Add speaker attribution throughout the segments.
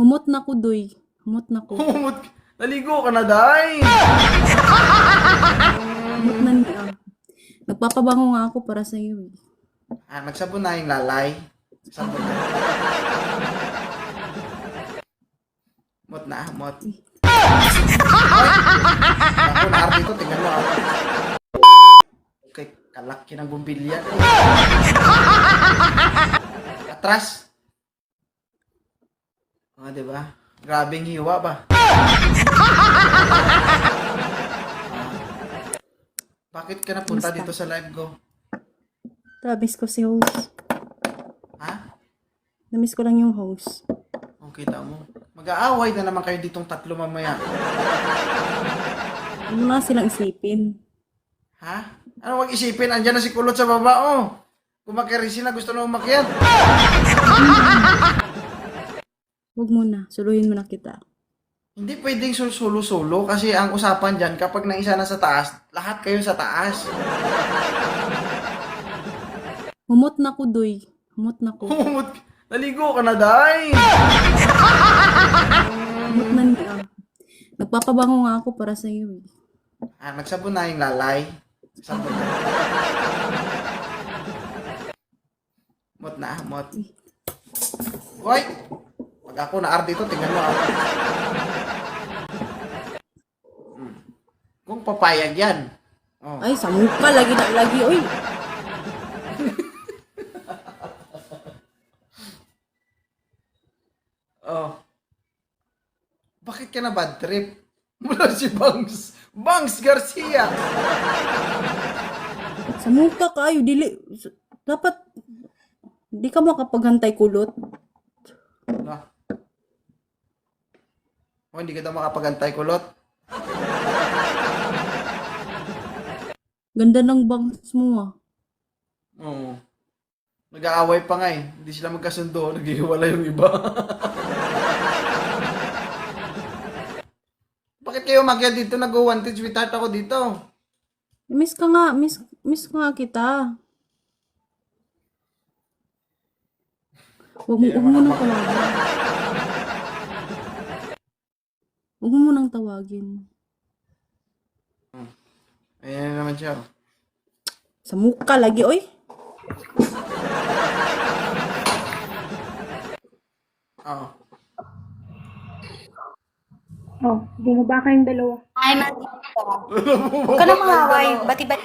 Speaker 1: Humot na ko, Doy. Humot na ko.
Speaker 2: Humot. Naligo ka na, day.
Speaker 1: Humot na niya. Nagpapabango nga ako para sa iyo.
Speaker 2: Nagsabon na yung lalay. Sabon na. Mot na, mot. Ako na arte ko, tingnan mo ako. Okay, kalaki ng bumbilya. Atras. Diba? Grabing hiwa ba? Bakit ka napunta
Speaker 1: Kamusta?
Speaker 2: dito sa live ko?
Speaker 1: Namiss ko si host.
Speaker 2: Ha?
Speaker 1: Namiss ko lang yung host.
Speaker 2: Kung kita mo. Mag-aaway na naman kayo ditong tatlo mamaya.
Speaker 1: Ano na silang isipin?
Speaker 2: Ha? Ano wag isipin? Andyan na si Kulot sa baba, oh. Kumakirisi na, gusto na umakyat.
Speaker 1: Huwag muna. Suluhin mo na kita.
Speaker 2: Hindi pwedeng solo-solo kasi ang usapan dyan, kapag naisa na sa taas, lahat kayo sa taas.
Speaker 1: Humot na ko, Doy. Humot na ko.
Speaker 2: Humot. Naligo ka na, day.
Speaker 1: Humot na niya. Nagpapabango nga ako para sa iyo.
Speaker 2: Nagsabon na yung lalay. Sabon na. Mot na, mot. Hoy! Pag ako na-art dito, tingnan mo ako. Kung papayag yan. Oh.
Speaker 1: Ay, sa mukha. Lagi na lagi. Uy.
Speaker 2: Oh. Bakit ka na bad trip? Mula si Bangs. Bangs Garcia.
Speaker 1: Sa mukha kayo. Dapat, di ka makapaghantay kulot.
Speaker 2: No. Oh, hindi ka daw makapagantay, Kulot.
Speaker 1: Ganda ng bangs mo ah.
Speaker 2: Oo. Nag-aaway pa nga eh. Hindi sila magkasundo. Naghihiwala yung iba. Bakit kayo umakyat dito? Nag-wanted sweetheart ako dito.
Speaker 1: Miss ka nga. Miss nga kita. Huwag mo nang tawagin. Huwag mo nang tawagin.
Speaker 2: Ayan na naman siya.
Speaker 1: Sa mukha lagi, oy.
Speaker 2: Oo.
Speaker 3: Oh, bumaba kayong dalawa.
Speaker 4: Ay, matita. Huwag ka na mahaway. Bati-bati.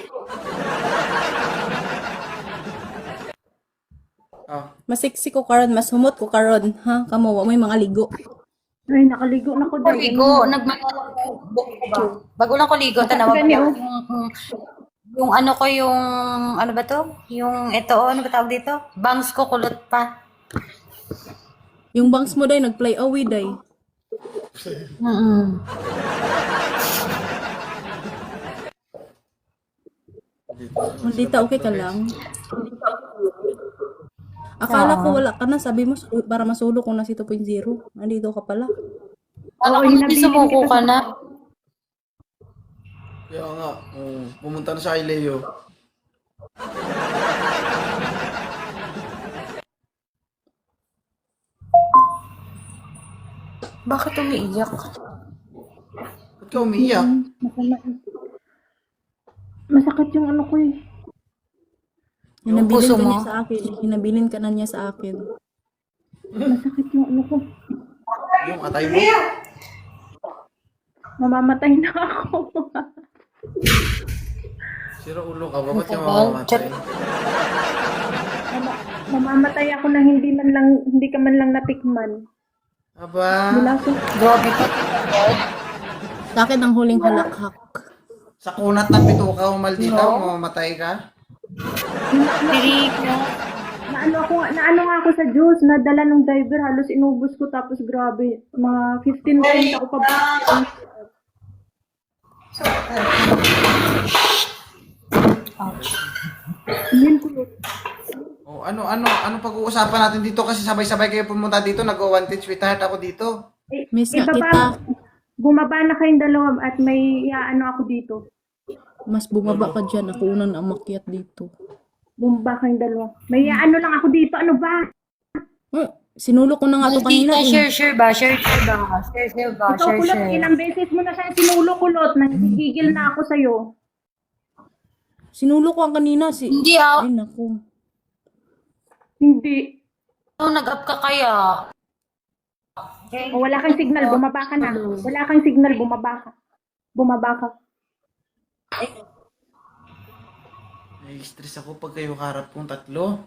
Speaker 2: Oh.
Speaker 1: Mas sexy ko karon, mas humot ko karon, ha? Kamo wa may mga ligo.
Speaker 3: Ay, nakaligo na ko dahil.
Speaker 4: Ligo. Bago lang ko ligo. Tanawa ko
Speaker 3: Ganyan,
Speaker 4: yung ano ko yung, ano ba to? Yung ito, ano ba tawag dito? Bangs ko kulot pa.
Speaker 1: Yung bangs mo day nag-play away day. Maldita, okay ka lang? Akala ko wala ka na, sabi mo para masulo ko na si 2.0. Nandito ka pala.
Speaker 4: Ano kung hindi sumuko ka na?
Speaker 2: Kaya nga. Pumunta na siya kay Leo.
Speaker 4: Bakit umiiyak?
Speaker 2: Ba't ka umiiyak?
Speaker 3: Masakit yung ano ko eh.
Speaker 1: Hinabilin
Speaker 4: puso
Speaker 1: ka
Speaker 4: mo?
Speaker 1: niya sa akin. Hinabilin ka na niya sa akin.
Speaker 3: Masakit yung ano ko.
Speaker 2: Yung atay mo?
Speaker 3: Mamamatay na ako.
Speaker 2: Sira ulo ka ba? Ba't ka mamamatay?
Speaker 3: Mamamatay ako na hindi ka man lang natikman.
Speaker 2: Aba,
Speaker 3: Bilaso.
Speaker 4: Grabe ka.
Speaker 1: Sa akin ang huling halakhak.
Speaker 2: sa kunat ng pituka mo maldita, mamamatay ka?
Speaker 4: Pirig na.
Speaker 3: Naano nga ako sa juice, nadala ng diver, halos inubos ko tapos grabe, mga 15 times ako pa. Yun ko.
Speaker 2: Oh, ano pag-uusapan natin dito kasi sabay-sabay kayo pumunta dito, nag-wanted sweetheart ako dito.
Speaker 1: Miss nga
Speaker 3: Ibaba-
Speaker 1: kita.
Speaker 3: Bumaba na kayong dalawa at may ano ako dito.
Speaker 1: Mas bumaba ka dyan. Ako unang umakyat dito.
Speaker 3: Bumaba kayong dalawa. May ano lang ako dito. Ano ba?
Speaker 1: Sinulo ko na nga to kanina.
Speaker 4: Maldita, share ba? Share ba? Share ba?
Speaker 3: Ikaw kulot, ilang beses mo na siya sinulo kulot. Nagigigil na ako sa'yo.
Speaker 1: Sinulo ko ang kanina.
Speaker 4: Hindi
Speaker 1: Ay, naku.
Speaker 3: Hindi.
Speaker 4: Nag-up ka kaya.
Speaker 3: O, wala kang signal, bumaba ka na. Wala kang signal, bumaba ka. Bumaba ka.
Speaker 2: Ay, stress ako pag kayo harap kong tatlo.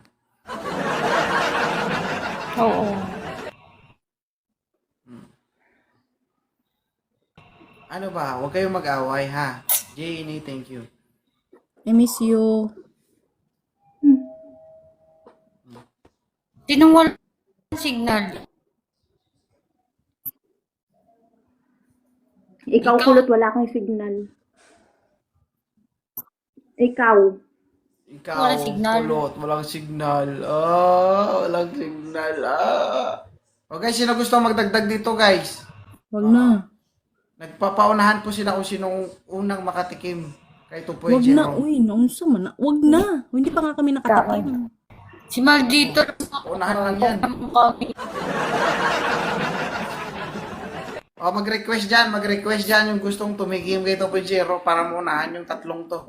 Speaker 4: Oo.
Speaker 2: Ano ba? Huwag kayong mag-away, ha? Jenny, thank you.
Speaker 1: I miss you.
Speaker 4: Sinong walang signal?
Speaker 3: Ikaw kulot, wala kang signal. Ikaw.
Speaker 2: Ikaw,
Speaker 4: Walang signal.
Speaker 2: kulot, walang signal. Walang signal. Okay, sino gusto magdagdag dito, guys?
Speaker 1: Wag na.
Speaker 2: Nagpapaunahan po sila kung sinong unang makatikim kay 2.0.
Speaker 1: Wag na. Uy, naunsa man na. Wag na. Hindi pa nga kami nakatikim.
Speaker 4: Si Maldito.
Speaker 2: Unahan lang yan.
Speaker 4: Kami.
Speaker 2: Mag-request dyan yung gustong tumikim kay 2.0 para maunahan yung tatlong to.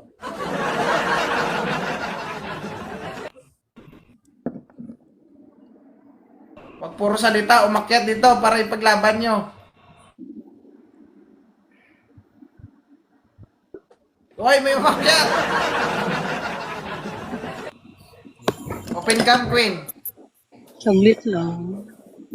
Speaker 2: Wag puro salita, umakyat dito para ipaglaban nyo. Hoy, may umakyat! Open cam, Queen.
Speaker 5: Saglit lang.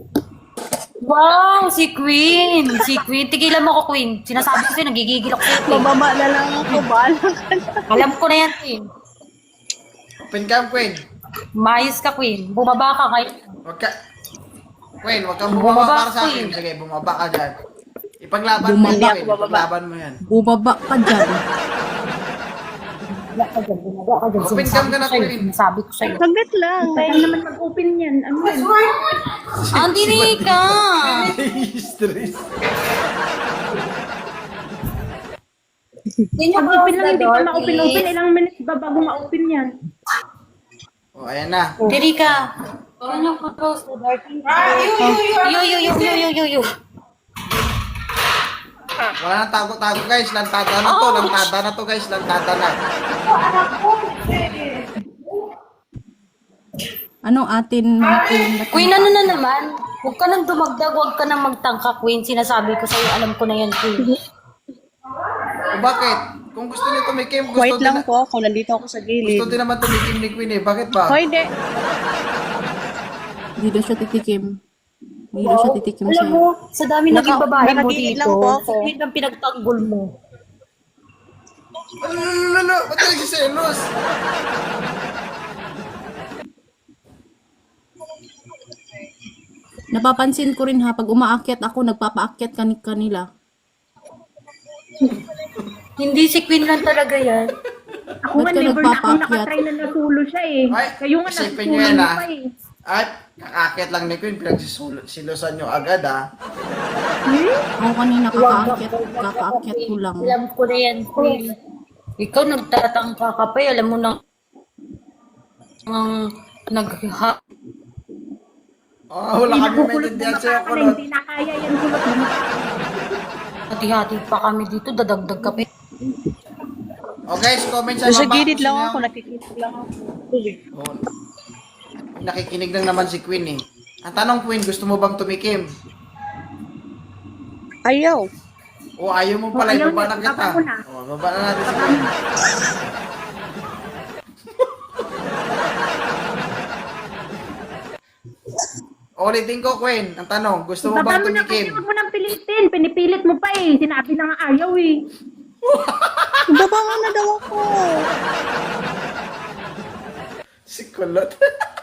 Speaker 4: Wow, si Queen. Si Queen. Tigilan mo ko, Queen. Sinasabi ko sa'yo, nagigigil ako sa'yo, Queen.
Speaker 5: Bababa na lang ako, bahala ka na.
Speaker 4: Alam ko na yan, Queen.
Speaker 2: Open cam, Queen.
Speaker 4: Mayos ka, Queen. Bumaba ka ngayon.
Speaker 2: Queen, wag kang bumaba
Speaker 4: Bumaba,
Speaker 2: para sa akin.
Speaker 4: Queen.
Speaker 2: Sige, bumaba ka dyan. Ipaglaban mo yun, Queen. Ipaglaban mo yan.
Speaker 1: Bumaba ka dyan.
Speaker 4: Bumaba ka dyan. Bumaba ka dyan.
Speaker 2: Open cam ka na, Queen.
Speaker 4: Sinasabi ko sa'yo.
Speaker 5: Saglit lang.
Speaker 3: Kaya naman mag-open yan. Ano yan?
Speaker 4: Andi ka.
Speaker 2: Stress.
Speaker 3: Pag-open lang, hindi pa ma-open-open. Ilang minutes ba bago ma-open yan?
Speaker 2: Ayan na.
Speaker 4: Diri ka. Ano ko close the door? Yo.
Speaker 2: Wala nang tago-tago, guys. Lantada na to. Lantada na to, guys. Lantada na.
Speaker 1: Anong atin, mga queen?
Speaker 4: Queen, ano na naman? Huwag ka nang dumagdag, huwag ka nang magtangka, Queen. Sinasabi ko sa'yo, alam ko na yan, Queen.
Speaker 2: O bakit? Kung gusto niyo tumikim, gusto
Speaker 5: Wait
Speaker 2: din,
Speaker 5: lang po ako. Nandito ako sa
Speaker 2: gusto
Speaker 5: gilid.
Speaker 2: din naman tumikim ni Queen eh. Bakit ba?
Speaker 5: Hoy, de.
Speaker 1: Hindi daw siya titikim. Hindi daw siya titikim
Speaker 4: Alam
Speaker 1: sa'yo.
Speaker 4: mo, sa dami naging babae mo
Speaker 5: nakagilid
Speaker 4: dito,
Speaker 5: lang po ako.
Speaker 4: sa ng pinagtanggol mo.
Speaker 2: Lalo, ba't talaga selos?
Speaker 1: Napapansin ko rin ha, pag umaakyat ako, nagpapaakyat kanila.
Speaker 4: Hindi si Queen lang talaga yan.
Speaker 3: Ako nga,
Speaker 1: Ba't ka
Speaker 3: never na ako
Speaker 1: nagpapaakyat?
Speaker 3: nakatry na nasulo siya eh.
Speaker 2: Ay,
Speaker 3: Kayo nga,
Speaker 2: isipin
Speaker 3: nasulo
Speaker 2: nyo yan,
Speaker 3: niyo
Speaker 2: ah.
Speaker 3: pa eh.
Speaker 2: At kakakit lang ni Queen, pinagsisilosan nyo agad ah.
Speaker 1: Ako kanina kakaakyat ko lang.
Speaker 4: Alam ko na yan, Queen. Ikaw nagtatangka ka pa, alam mo na ang nagha...
Speaker 2: Wala
Speaker 3: Hindi
Speaker 2: kami
Speaker 3: nakukulot
Speaker 2: maintindihan
Speaker 3: bumaba
Speaker 2: sa'yo,
Speaker 3: ka na,
Speaker 2: kulot.
Speaker 3: hindi na kaya yan kulot bumaba.
Speaker 4: Hati-hati pa kami dito, dadagdag ka pa.
Speaker 2: O guys, comment sa
Speaker 5: Sa
Speaker 2: baba.
Speaker 5: gilid
Speaker 2: kung
Speaker 5: lang
Speaker 2: sino
Speaker 5: ako.
Speaker 2: yung-
Speaker 5: Nakikinig lang ako.
Speaker 2: Oh. Nakikinig lang naman si Queen eh. Ang tanong, Queen, gusto mo bang tumikim?
Speaker 5: Ayaw.
Speaker 2: O ayaw mo pala,
Speaker 3: ayaw
Speaker 2: ibaba
Speaker 3: niya,
Speaker 2: lang kita.
Speaker 3: baba mo na.
Speaker 2: Baba na natin si Queen. Ulitin ko, Queen. Ang tanong, gusto mo
Speaker 3: Baba
Speaker 2: bang
Speaker 3: mo na kasi
Speaker 2: tumikim?
Speaker 3: huwag mo nang pilitin. Pinipilit mo pa eh. Sinabi na nga ayaw eh.
Speaker 5: Baba nga na daw ako.
Speaker 2: Si Kulot.